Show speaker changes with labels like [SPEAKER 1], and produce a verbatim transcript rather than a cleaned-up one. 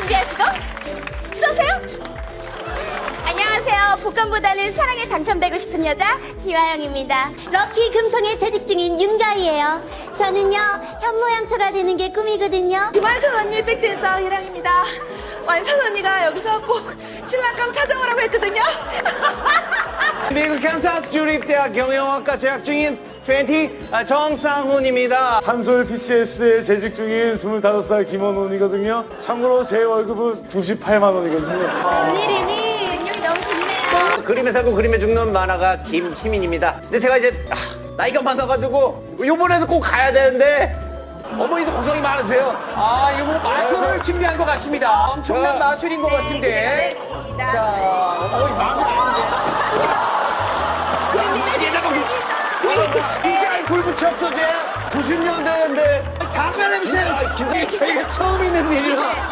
[SPEAKER 1] 준비하시고 쏘세요. 안녕하세요. 복권보다는 사랑에 당첨되고 싶은 여자 김아영입니다.
[SPEAKER 2] 럭키 금성에 재직 중인 윤가희예요. 저는요 현모양처가 되는 게 꿈이거든요.
[SPEAKER 3] 김완선 언니 백댄서 희랑입니다. 완선 언니가 여기서 꼭 신랑감 찾아오라고 했거든요.
[SPEAKER 4] 미국 캔사스 주립대학 경영학과 재학 중인 이십 아, 정상훈입니다.
[SPEAKER 5] 한솔 피씨에스에 재직 중인 스물다섯 살 김원훈이거든요. 참고로 제 월급은 구십팔만 원이거든요.
[SPEAKER 1] 웬일이니? 운명이 너무 좋네요.
[SPEAKER 4] 그림에 살고 그림에 죽는 만화가 김희민입니다. 근데 제가 이제 아, 나이가 많아가지고 요번에도 꼭 가야 되는데 어머니도 걱정이 많으세요.
[SPEAKER 6] 아, 이거 뭐 마술을 준비한 것 같습니다. 엄청난
[SPEAKER 4] 자.
[SPEAKER 6] 마술인 것 같은데. 자, 어이, 마술 아닌데.
[SPEAKER 4] 진짜 불 붙였어, 쟤. 구십 년대인데. 담배 냄새.
[SPEAKER 6] 이게 저희가 처음 있는 일이라.